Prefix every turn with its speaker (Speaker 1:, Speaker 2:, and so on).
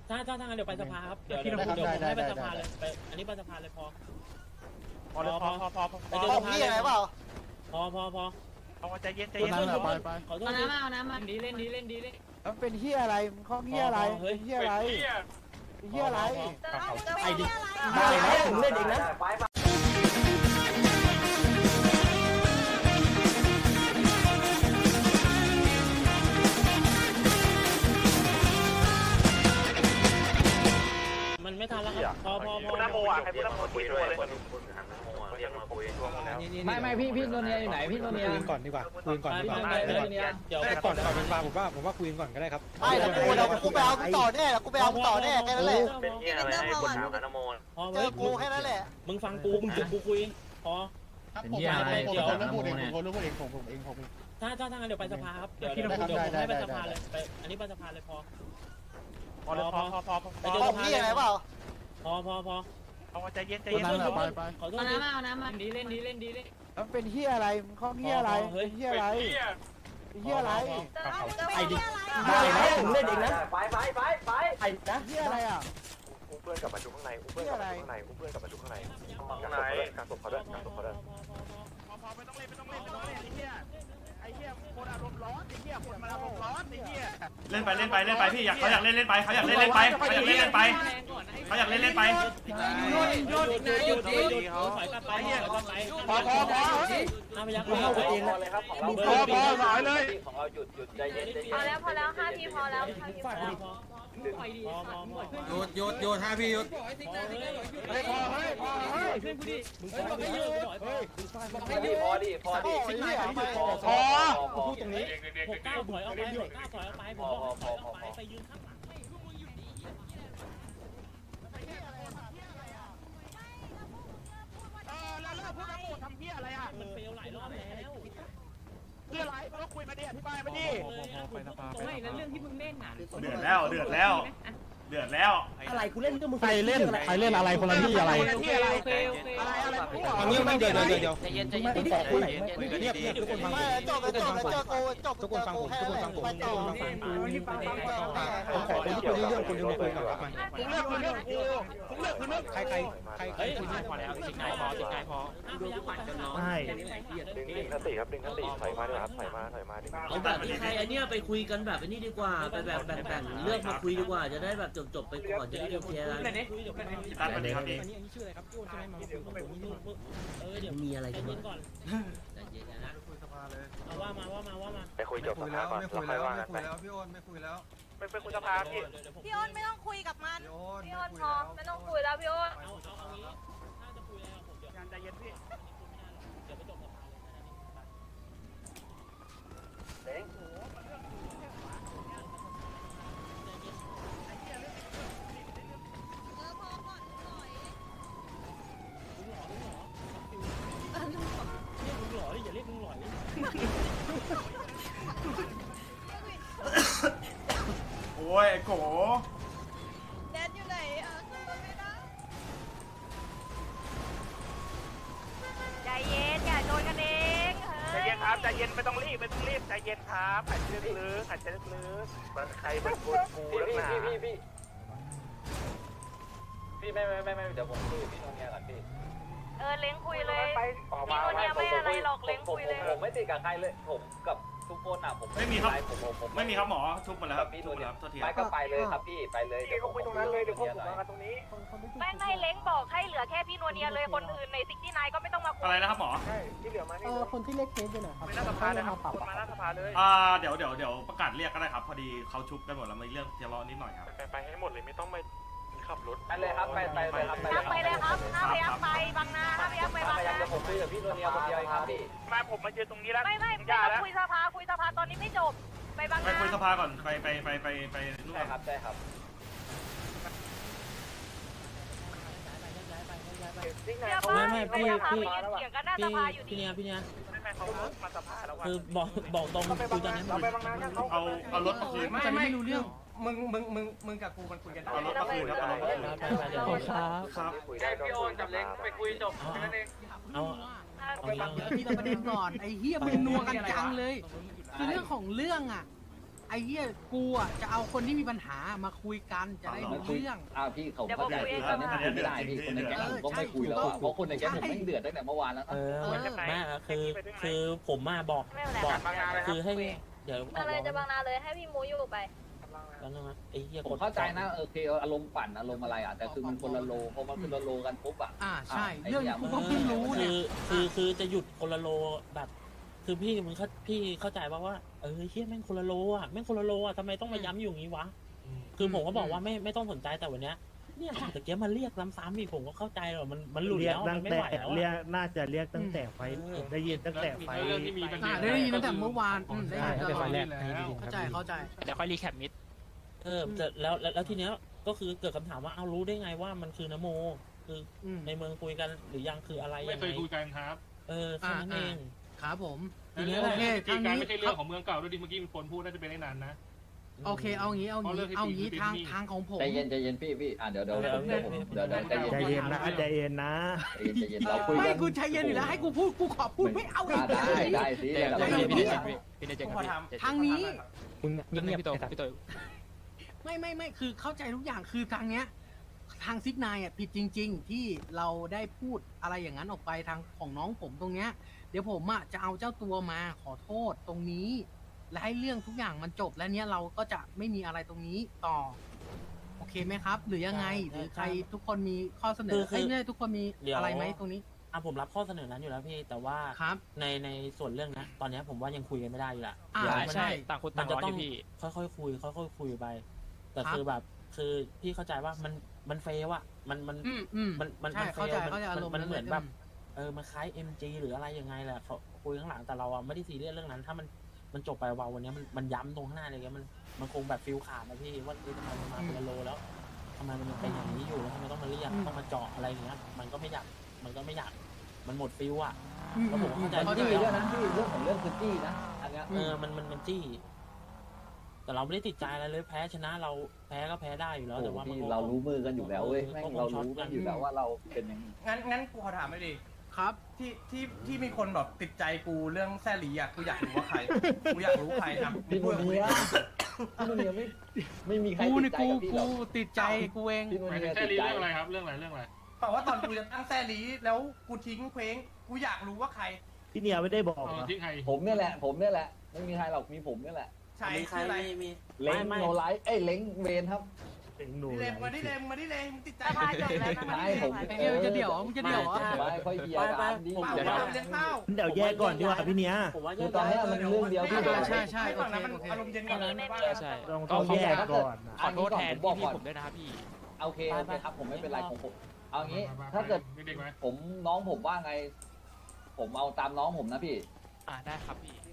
Speaker 1: ถ้าทางนั้นเดี๋ยวไปสภาครับเดี๋ยวผมให้ไปสภาเลยไปอันนี้ไปสภาเลยพอไปเจอสภาเลยพอ
Speaker 2: ใจเย็น
Speaker 1: ขอโทษ
Speaker 3: เอาน้ำมา
Speaker 1: เล่นดี
Speaker 4: มันเป็นเฮียอะไรมึงข้องเฮียอะไรเฮียอะไรเฮียอะไร
Speaker 1: ไอ้ดิ
Speaker 4: ได้นะผมเล่นเองนะ
Speaker 1: มันไม่ทันแล้วครับพอ
Speaker 2: น้ำโมอ่ะใครพูดน้ำโมคุยด้วยเลย
Speaker 3: ไม่พี่โนเนียอยู่ไหนพี่โนเนีย
Speaker 5: คุยก่อนดีกว่าคุยก่อนดีกว่า
Speaker 1: เดี๋ยว
Speaker 5: ก่อนเป็นฟาผมว่าคุยก่อนก็ได้ครับ
Speaker 4: ไม่เดี๋ยวกูไปเอาต่อแน่กูไปเอาต่อแน่แค่นั้นแหละ
Speaker 2: เป็นที่อะไรให้คนถามน้ำโม
Speaker 4: เจอกูแค่นั้นแหละ
Speaker 1: มึงฟังกูมึงจุดกูคุยพอ
Speaker 6: เป็นที่อะไร
Speaker 1: เดี๋ยว
Speaker 6: ผมพูดเองผม
Speaker 1: ถ้าทางนั้นเดี๋ยวไปสภาครับเดี๋ยวผมให้ไปสภาเลยไปอันนี้ไปสภาเลยพอไปเจอสภาเลยพอ
Speaker 2: ใจเย็น
Speaker 1: ขอโทษ
Speaker 3: เอาน้ำมา
Speaker 1: เล่นดี
Speaker 4: มันเป็นเฮียอะไรมึงข้องเฮียอะไรเฮียอะไรเฮียอะไร
Speaker 1: ไอ้ดิ
Speaker 4: ได้นะผมเล่นเองนะ
Speaker 2: ไป
Speaker 4: ไอ้นะเฮียอะไรอ่ะ
Speaker 2: อุ้มเพื่อนกลับมาดูข้างในอุ้มเพื่อนกลับมาดูข้างในอุ้มเพื่อนกลับมาดูข้างในการศพเขาด้วยการศพเขาด้วยไม่ต้องเล่นไอ้เหี้ยคนอารมณ์ร้อนไอ้เหี้ยคนมันอารมณ์ร้อนไอ้เหี้ย
Speaker 7: เล่นไปพี่เขาอยากเล่นไปเขาอยากเล่นไปเขาอยากเล่นไปเขาอยากเล่นไป
Speaker 1: หยุดถอยกลับไปพอน้าพยักษ์เข้าเอง
Speaker 2: เลยครับของเรา
Speaker 5: หน่อยเลย
Speaker 2: ของเราหยุดใจเย็น
Speaker 3: พอแล้ว5 ทีพอแล้ว5 ทีพอแล้ว
Speaker 5: หยุด5 พี่หยุด
Speaker 2: พอดิ
Speaker 4: พูดตรงนี้
Speaker 1: 6 9ถอยออกไปผมบอกถอยออกไปยืนข้างหลัง
Speaker 2: แล้วพวกน้ำโมทำเหี้ยอะไรอ่ะ
Speaker 1: มันเฟลหลายรอบแล้ว
Speaker 2: เพื่ออะไรเราคุยมาดิอธิบายมาดิ
Speaker 3: ไม่แล้วเรื่องที่มึงเล่นน่ะ
Speaker 7: เดือดแล้ว
Speaker 4: อะไรกูเล่นก็มึง
Speaker 5: ใครเล่นอะไรคนละที่อะไร
Speaker 2: ที่อะไร
Speaker 3: โอเค
Speaker 5: อันนี้ไม่เดี๋ยว
Speaker 3: ใจเย็น
Speaker 5: เงียบทุกคนฟัง
Speaker 4: ไม่จบทุกคนฟังผมไปต่อ
Speaker 5: ผมขอคนที่คุยเรื่องคนนึงมาคุยก่อนครับ
Speaker 2: ผมเลือกคือเรื่องกูผมเลือกคือเรื่อง
Speaker 5: ใครคุยพอแล้วสิงนายพอ
Speaker 7: ใช่
Speaker 2: ดึงสติครับดึงสติถอยมาด้วยครับถอยมาดึง
Speaker 8: เอาแบบใครอันเนี้ยไปคุยกันแบบนี้ดีกว่าไปแบบแบ่งเลือกมาคุยดีกว่าจะได้แบบจบไปก่อนจะได้เคลียร์กัน
Speaker 7: ตัดมันครับนี่
Speaker 1: ชื่ออะไรครับพี่อ้นใช่ไหมมาคุยกับผมเดี๋ยว
Speaker 8: มีอะไรกัน
Speaker 1: เย็
Speaker 8: บ้าง
Speaker 1: นก่อน
Speaker 8: ใจเย็นนะ
Speaker 1: เอาว่ามา
Speaker 2: ไปคุยจบสภาก่อนเราค่อยว่ากันไป
Speaker 5: พี่อ้นไม่คุยแล้ว
Speaker 2: ไปคุยสภาพี่
Speaker 3: พี่อ้นไม่ต้องคุยกับมันพี่อ้นพอไม่ต้องคุยแล้วพี่อ้น
Speaker 1: เอางี้ถ้าจะคุยอะไรผมเดี๋ยว
Speaker 2: ใจเย็นพี่
Speaker 1: เดี๋ยวไปจบสภาเลย มึงหล่อดิอย่าเรียกมึงหล่อดิ
Speaker 7: โอ้ยโก
Speaker 3: แดนอยู่ไหนไม่ได้ใจเย็นอย่าโดนกันเอง
Speaker 2: ใจเย็นครับใจเย็นไม่ต้องรีบใจเย็นครับหายใจลึกมันใครมันกูแล้วนะพี่ไม่เดี๋ยวผมคุยกับพี่โนเนียก่อนพี่
Speaker 3: เล้งคุยเลยพี่โนเนียไม่อะไรหรอกเล้งคุยเลย
Speaker 2: ผมไม่ติดกับใครเลยผมกับทุกคนอ่ะผม
Speaker 7: ไม่มีครับหมอทุบหมดแล้วครับ
Speaker 2: พี่
Speaker 7: ทุ
Speaker 2: โน
Speaker 7: บหมด
Speaker 2: เนี
Speaker 7: แล้
Speaker 2: ยว
Speaker 7: โทษที
Speaker 2: ไปก็ไปเลยครับพี่ไปเลยเดี๋ยวผมคุยตรงนั้นเลยเดี๋ยวผมมากันตรงนี้
Speaker 3: ไม่เล้งบอกให้เหลือแค่พี่โนเนียเลยคนอื่นใน69ก็ไม่ต้องมาคุย
Speaker 7: อะไรนะครับหมอ
Speaker 2: ใช่ที่เหลือมานี่
Speaker 4: คนที่เล็กเคสอยู่ไหนครับ
Speaker 2: ไม่น่าสภาเลยครับคนมาหน้าสภาเลย
Speaker 7: เดี๋ยวประกาศเรียกก็ได้ครับพอดีเขาชุบกันหมดแล้วมีเรื่องทะเลาะนิดหน่อยครับ
Speaker 2: ไปให้หมดเลยไม่ต้องไปขับรถไปเลยครับไปเลยครับ
Speaker 3: ทำไปเลยครับห้าพยักไปบางนาห้าพยักไปบางนา
Speaker 2: จะผมคุยกับพี่โนเนียคนเดียวครับพี่มาผมมาเจอตรงนี้แล้ว
Speaker 3: ไม่ต้องคุยสภาตอนนี้ไม่จบไปบาง
Speaker 7: ไป
Speaker 3: นา
Speaker 7: คุยสภาก่อนไปนู่น
Speaker 2: ใช่ครับใช่ครับ
Speaker 3: เชื่อป่ะพี่เถียงกันหน้าสภาอยู่ดี
Speaker 1: พี่เนี่ย
Speaker 2: ไม่เขามาสภาแล้ว
Speaker 1: คือบอกตรงคุยตอนนี้
Speaker 2: เราไปบางนากันเขา
Speaker 7: เอารถมาคืน
Speaker 5: ไม่รู้เรื่องมึงกับกูมันคุยกันได้
Speaker 7: เอารถมาคืนครับเอารถมาคืน ครับ
Speaker 2: แจ้งพี่โอนกับเล้งไปคุยจบแค่นั้นเอง
Speaker 1: เอา
Speaker 9: ทีละประเด็นก่อนไอ้เฮียมึงนัวกันจังเลยคือเรื่องของเรื่องอ่ะไอ้เหี้ยกูอ่ะจะเอาคนที่มีปัญหามาคุยกันจะได้รู้เรื่อง
Speaker 2: พี่เขาเข้าใจตอนนี้มันไม่ได้พี่คนในแก๊งผมก็ไม่คุยแล้วเพราะคนในแก๊งผมไม่เดือดตั้งแต่เมื่อวานแล้ว
Speaker 1: ไม่คือผมมาบอกคือให้เดี๋ยว
Speaker 3: อะไรจะบางนาเลยให้พี่มูอยู่ไป
Speaker 1: แล้วนะไอ้เหี้ย
Speaker 2: ผมเข้าใจนะโอเคอารมณ์ปั่นอารมณ์อะไรอ่ะแต่คือมันคนละโลพอมันคนละโลกันปุ๊บอ่ะ
Speaker 9: ใช่เรื่องนี้กูก็เพิ่งรู้เนี่ย
Speaker 1: คือจะหยุดคนละโลแบบ คือพี่เข้าใจว่าเฮียแม่งคนละโลอ่ะแม่งคนละโลอ่ะทำไมต้องมาย้ำอยู่อย่างนี้วะคือผมก็บอกว่าไม่ต้องสนใจแต่วันเนี้ยเนี่ยแต่เกี้ยมันเรียกซ้ำๆอีกผมก็เข้าใจหรอมันหลุดแล้วมันไม่ไหวแล้ว
Speaker 6: เรียกน่าจะเรียกตั้งแต่ไฟได้ยินตั้งแต่ไฟ
Speaker 9: ได้ยินตั้งแต่เมื่อวานได้ยิน
Speaker 6: ตั้งแต่ไฟแรก
Speaker 9: เข้าใจ
Speaker 5: เดี๋ยวค่อยรีแคปมิด
Speaker 1: แล้วทีเนี้ยก็คือเกิดคำถามว่าเอารู้ได้ไงว่ามันคือนโมคือในเมืองคุยกันหรือยังคืออะไรไม่เคยคุยกันครับแค่นั้นเอง
Speaker 9: ครับผม
Speaker 1: ทีนี้
Speaker 9: โอเคทางนี้
Speaker 10: ไม่ใช่เรื่องของเมืองเก่าด้วยดิเมื่อกี้มีคนพูดน่าจะเป็นได้นานนะ
Speaker 9: โอเคเอางี้ทางของผม
Speaker 2: ใจเย็นพี่เดี๋ยวใจเย็นนะเราคุยกัน
Speaker 9: ไม่กูใจเย็นอยู่แล้วให้กูพูดกูขอพูดไม่เอาอีก
Speaker 2: ได้สิ
Speaker 9: ทางนี้
Speaker 5: มึงเงียบพี่โตพี่โต
Speaker 9: ไม่คือเข้าใจทุกอย่างคือทางเนี้ยทางซิกนายอ่ะผิดจริง ๆ ที่เราได้พูดอะไรอย่างนั้นออกไปทางของน้องผมตรงเนี้ยเดี๋ยวผมอ่ะจะเอาเจ้าตัวมาขอโทษตรงนี้และให้เรื่องทุกอย่างมันจบแล้วเนี้ยเราก็จะไม่มีอะไรตรงนี้ต่อโอเคไหมครับ หรือยังไงหรือใครทุกคนมีข้อเสนอเนี่ยทุกคนมีอะไรไหมตรงนี้
Speaker 1: ผมรับข้อเสนอนั้นอยู่แล้วพี่แต่ว่าในส่วนเรื่องนะตอนนี้ผมว่ายังคุยกันไม่ได้อยู่ละ
Speaker 9: ใช่
Speaker 5: ต่างคนต่างร้อนพี่
Speaker 1: ค่อยๆคุยไปแต่คือแบบคือพี่เข้าใจว่ามันเฟลว่ะมันเฟลมันเหมือนแบบมันคล้าย MG หรืออะไรยังไงแหละเขาคุยข้างหลังแต่เราอ่ะไม่ได้ซีเรียสเรื่องนั้นถ้ามันจบไปวันนี้มันย้ำตรงข้างหน้าเลยมันคงแบบฟิลขาดนะพี่ว่าทำไมมันมาเป็นโลแล้วทำไมมันเป็นอย่างนี้อยู่แล้วทำไมต้องมาเรียกต้องมาเจาะอะไรอย่างเงี้ยมันก็ไม่อยากมันหมดฟิลอ่ะแล้วผมเข้าใจ
Speaker 2: จี้เรื่องนั้นพี่เรื่องของเรื่องคือจี้นะอันเนี้ย
Speaker 1: มันจี้แต่เราไม่ได้ติดใจอะไรเลยแพ้ชนะเราแพ้ก็แพ้ได้อยู่แล้วแต่ว่า
Speaker 2: เรารู้มือกันอยู่แล้วเว้ยแม่งเรารู้กันอยู่แล้วว่าเราเป็นยังไง
Speaker 5: งั้นกูขอถามไม่ดี
Speaker 9: ครับ
Speaker 5: ที่มีคนแบบติดใจกูเรื่องแซ่หลีอ่ะกูอยากรู้ว่าใครกูอยากรู้ใครครับ
Speaker 2: พี่นุ่นเนี่ยไม่มีใครติดใจกับพี่หรอก
Speaker 9: กูติดใจกูเอง
Speaker 10: แซ่หลีเรื่องอะไรครับเรื่องอะไร
Speaker 5: บอกว่าตอนกูจะตั้งแซ่หลีแล้วกูทิ้งเคว้งกูอยากรู้ว่าใคร
Speaker 6: พี่เนี่ยไม่ได้บอก
Speaker 10: ทิ้งใคร
Speaker 2: ผมเนี่ยแหละไม่มีใครหรอกมีผมเนี่ยแหละ
Speaker 5: ใช่ใครมี
Speaker 2: เล้งโนไลท์เล้งเวนครับ
Speaker 5: เลมมาดิเลมติดใจ
Speaker 2: ใช่ผม
Speaker 9: จะเดี่ยว
Speaker 2: ไม่ค่อยเบียร์กันดี
Speaker 5: เ
Speaker 6: ดี๋ยวแยกก่อนดีกว่าพี่เนี้ย
Speaker 2: คือตอนนี้มันเรื่องเดียวที่
Speaker 5: ใช่ฝั่งนั้นมันอารมณ์เย็นก่อน
Speaker 6: ใช่ต้องแยกก่อน
Speaker 5: ขอโทษแทนพี่ผมด้วยนะครับพี่
Speaker 2: โอเคครับผมไม่เป็นไรของผมเอางี้ถ้าเกิดผมน้องผมว่าไงผมเอาตามน้องผมนะพี่
Speaker 5: ได้ครับพี่